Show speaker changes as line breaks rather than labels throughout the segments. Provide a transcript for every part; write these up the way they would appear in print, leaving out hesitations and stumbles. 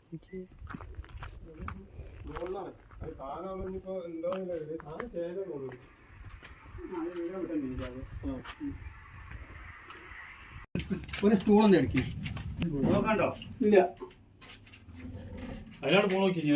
ഒരു സ്റ്റൂളൊന്നും അടിക്കും
നോക്കണ്ടോ?
ഇല്ല.
അതിലാണ് പോ നോക്കി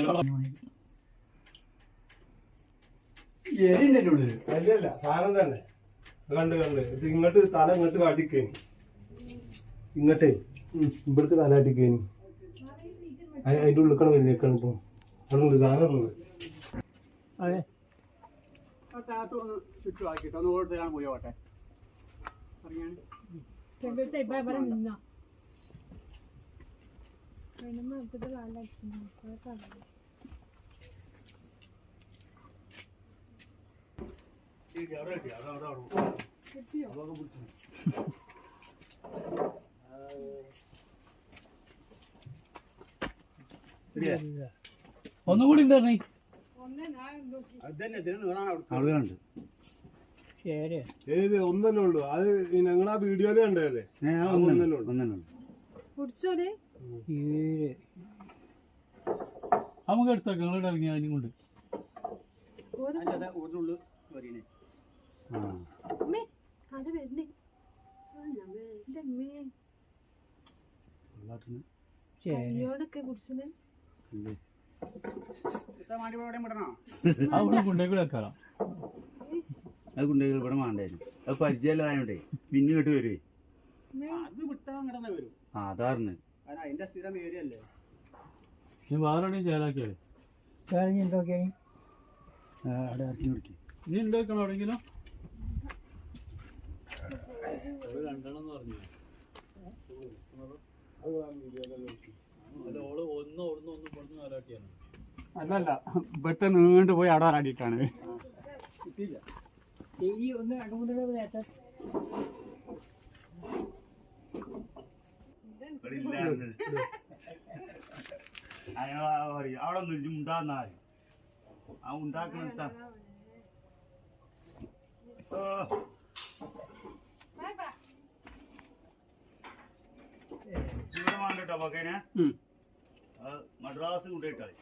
എരിന്റെ ഉള്ളിൽ
അല്ലല്ല സാധനം തന്നെ കണ്ട് ഇത് ഇങ്ങോട്ട് തല ഇങ്ങോട്ട് കാട്ടിക്കേനി ഇങ്ങോട്ടേ ഇവിടുത്തെ തല കാട്ടിക്കേനി അതിന്റെ ഉള്ളിക്കണം വലിയേക്കാണ് ഇപ്പൊ അതുണ്ട് സാധനം ഉള്ളത്.
അതെ ചുറ്റുമാക്കിട്ടോ ഒന്ന് ഓടിച്ചാണ് പോയി ഓട്ടെ പറഞ്ഞാണ്
ഒന്നുകൂടി ഉണ്ടായിരുന്നേ
ഏത് ഒന്നല്ലേ ഉള്ളു അത് നിങ്ങളാ വീഡിയോയില് കണ്ടതല്ലേ?
നമുക്ക് എടുത്തേക്ക് നിങ്ങളുടെ ഇറങ്ങിയ അതിനും കൊണ്ട് അവിടെ കൊണ്ടേക്കൂടെ വെക്കാറാം.
അത് കുട്ടികൾ ഇവിടെ വേണ്ടായിരുന്നു. അത് പരിചയമില്ലായോണ്ടേ പിന്നെ കേട്ട് വരുവേ. അതാറിന്
അതിന്റെ സ്ഥിരം ഏരിയ അല്ലേ?
നീ വേറെ ചേലാക്കിയാലേ
അവിടെ ഇറക്കി കൊടുക്കും.
നീ ഉണ്ടാക്കണം എവിടെയെങ്കിലും രണ്ടെണ്ണം പറഞ്ഞു. ഓള് ഒന്ന് ഓടുന്ന ഒന്ന് പൊടുന്ന ആരാട്ടിയാണ്.
അല്ലല്ല ഇവിടുത്തെ നീണ്ടു പോയി അവിടെ ആരാടിയിട്ടാണ്.
അങ്ങനെ പറയും അവിടെ ഒന്നും ഉണ്ടാകുന്നാല് ആ ഉണ്ടാക്കുന്ന ഇവിടെ വേണ്ടട്ടോ പക്കേനെ മദ്രാസ് കൊണ്ടുപോയിട്ടാളി.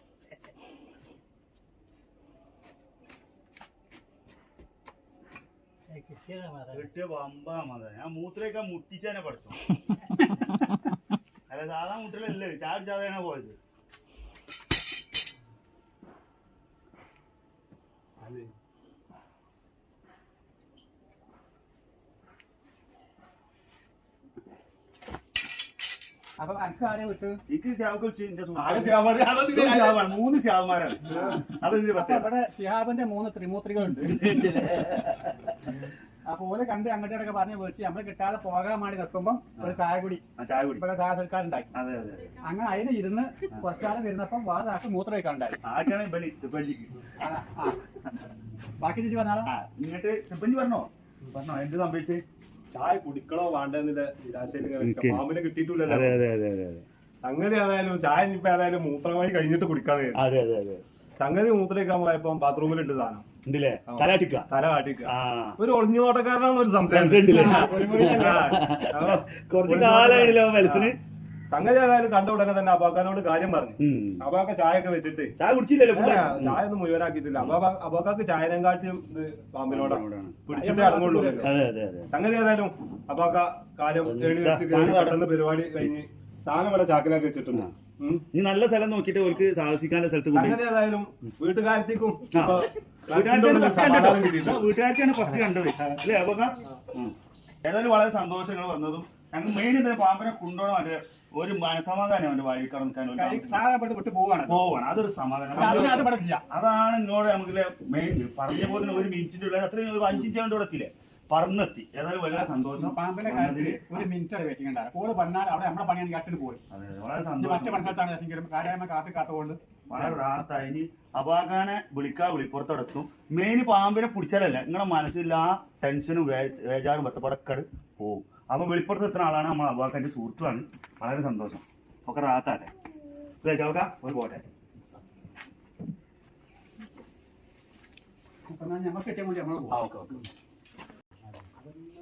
കിട്ടിയ പമ്പാ മത ഞാൻ മൂത്രയൊക്കെ മുട്ടിച്ചതിനെ പഠിച്ചു. അല്ല സാധാ മുട്ടിലല്ലേ ചാടി ചാതാണ് പോയത്.
അപ്പൊ അനക്ക് ആരെ വിളിച്ചത്?
എനിക്ക് മൂന്ന് ശ്യാവന്മാരാണ്.
ഇവിടെ ഷിഹാബിന്റെ 3 ത്രിമൂത്രികളുണ്ട്. അപ്പൊ ഓലെ കണ്ട് അങ്ങോട്ടൊക്കെ പറഞ്ഞ് വിളിച്ച് നമ്മള് കിട്ടാതെ പോകാൻ വേണ്ടി നിൽക്കുമ്പോ ഒരു ചായ കുടി ഇവിടെ ചായ സൽക്കാരുണ്ടാക്കി. അങ്ങനെ അതിന് ഇരുന്ന് കുറച്ചാലും ഇരുന്നപ്പം വേറെ ആൾക്ക് മൂത്രം വയ്ക്കാണ്ടായി. ബാക്കി ചേച്ചി പറഞ്ഞാലോ
ഇങ്ങോട്ട് പറഞ്ഞോ പറഞ്ഞോ എന്ത് സംഭവിച്ചേ?
ചായ കുടിക്കണോ വേണ്ടെന്നില്ല നിരാശയിൽ പാമ്പിനെ കിട്ടിയിട്ടില്ലല്ലോ. സംഗതി ഏതായാലും ചായ ഇനിയിപ്പോ ഏതായാലും മൂത്രമായി കഴിഞ്ഞിട്ട് കുടിക്കാതെ സംഗതി മൂത്രയ്ക്കാൻ പോയപ്പോ ബാത്റൂമിലുണ്ട് സാധനം തല കാട്ടിക്ക ഒരു ഒളിഞ്ഞു നോട്ടക്കാരനാന്ന് ഒരു സംശയം.
കുറച്ച് കാലായില്ലോ മനസ്സിന്.
സംഗതി ഏതായാലും കണ്ട ഉടനെ തന്നെ അബാക്കാനോട് കാര്യം പറഞ്ഞു. അബാക്ക ചായ ഒക്കെ വെച്ചിട്ട്
ചായ കുടിച്ചില്ലല്ലോ,
ചായ ഒന്നും മുഴുവനാക്കിയിട്ടില്ല. അബാക്കാക്ക് ചായനെങ്കാട്ടിയും ഇത് പാമ്പിനോടാണ് പിടിച്ചിട്ടേ അടങ്ങുള്ളൂ. സംഗതി ഏതായാലും അബാക്ക കാര്യം പെട്ടെന്ന് പരിപാടി കഴിഞ്ഞ് സാധനം ഇവിടെ ചാക്കിലാക്കി വെച്ചിട്ടുണ്ട്.
നീ നല്ല സ്ഥലം നോക്കിട്ട് അവർക്ക് സാഹസിക്കാനുള്ള സ്ഥലത്ത്
സംഗതി ഏതായാലും വീട്ടുകാരത്തേക്കും
വീട്ടുകാർക്കാണ് ഫസ്റ്റ് കണ്ടത് അല്ലേ അബാക്ക? ഏതായാലും വളരെ സന്തോഷങ്ങൾ വന്നതും ഞങ്ങൾ മെയിൻ എന്താ പാമ്പിനെ കൊണ്ടുപോകണം. ഒരു മനസമാധാനം അവന്റെ വായിൽ കടന്നിക്കാൻ പോവാണ്. അതൊരു സമാധാനം. അതാണ് ഇങ്ങോട്ട് നമുക്ക് മെയിൻ പറഞ്ഞ പോലെ ഒരു മിനിറ്റിന്റെ ഉള്ള അത്രയും 5 മിനിറ്റ് കൊണ്ട് എത്തില്ലേ പറന്നെത്തി. ഏതായാലും വളരെ സന്തോഷം.
പാമ്പിന്റെ കാര്യത്തിൽ ഒരു മിനിറ്റ് വെയിറ്റിംഗ് ഉണ്ടാകും. പറഞ്ഞാൽ അവിടെ നമ്മളെ പണിയാണ് കാട്ടിട്ട് പോയി.
വളരെ സന്തോഷം.
മറ്റു മനസ്സിലാണ് കാര്യമായി കാത്തുകൊണ്ട്
വളരെ റാത്തായി. ഇനി അബാക്കാനെ വിളിപ്പുറത്തെടുത്തും മെയിൻ പാമ്പിനെ പിടിച്ചാലല്ല നിങ്ങളുടെ മനസ്സിൽ ആ ടെൻഷനും വേജാറും ബത്തപ്പടക്കട് പോവും. അപ്പൊ വെളിപ്പുറത്ത് എത്തുന്ന ആളാണ് നമ്മൾ അബാക്കാന്റെ സുഹൃത്തുമാണ്. വളരെ സന്തോഷം. ഒക്കെ റാത്താട്ടെ അല്ലേ ചൗക്ക? ഒരു പോട്ടെ.
ഞമ്മക്ക് കിട്ടിയ നമ്മൾ
ഓക്കെ ഓക്കെ.